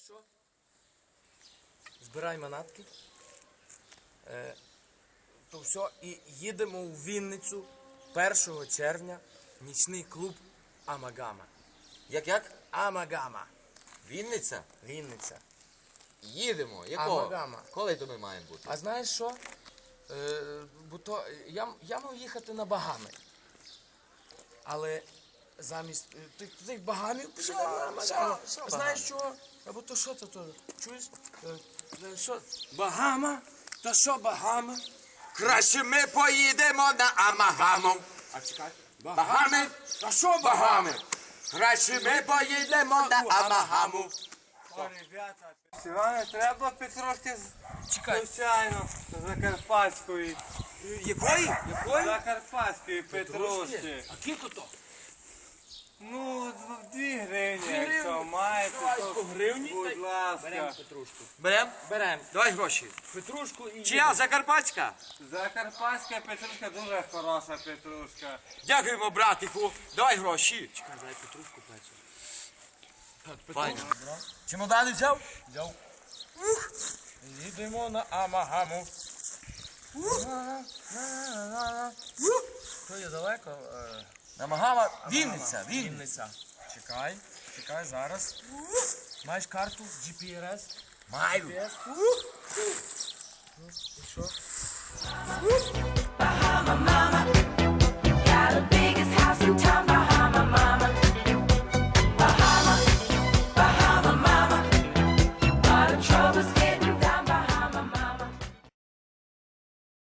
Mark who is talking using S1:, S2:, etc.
S1: що? Збирай манатки. То все, і їдемо у Вінницю 1 червня в нічний клуб Амагама.
S2: Як?
S1: Амагама.
S2: Вінниця?
S1: Вінниця.
S2: Їдемо. Якого?
S1: Амагама.
S2: Коли то ми маємо бути?
S1: А знаєш що? Бо то я мав їхати на Багами. Але замість тих Багамів пішов на Амагама. Знаєш що? Або то що то? Чуєш? Що? Багама? Та що Багами?
S2: Краще ми поїдемо на Амагаму.
S1: А чекай.
S2: Багами?
S1: Та що Багами?
S2: Краще ми поїдемо на Амагаму.
S3: О, ребята, сьогодні треба трошки
S1: Чекай.
S3: звичайно закарпатської.
S1: Якої?
S3: Закарпатської петрушки.
S1: А кілько то?
S3: Ну, 2 гривні,
S1: гривні.
S3: якщо маєте,
S1: Давай,
S3: то
S1: по гривні.
S3: будь
S1: Беремо
S3: ласка.
S1: петрушку.
S2: Берем?
S1: Беремо
S2: Давай гроші.
S1: петрушку і
S2: Чия Закарпатська?
S3: Закарпатська петрушка дуже хороша петрушка.
S2: Дякуємо, братику. Давай гроші.
S1: Дай петрушку печу. Так,
S2: Файно.
S1: петрушку.
S2: Чемодани взяв?
S1: Взяв. Їдемо на Амагаму. То є далеко?
S2: Амагама. Вінниця.
S1: Вінниця. Чекай, зараз. Маєш карту GPRS?
S2: Маю.
S1: GPS? Ну, і що?
S4: Bahama mama,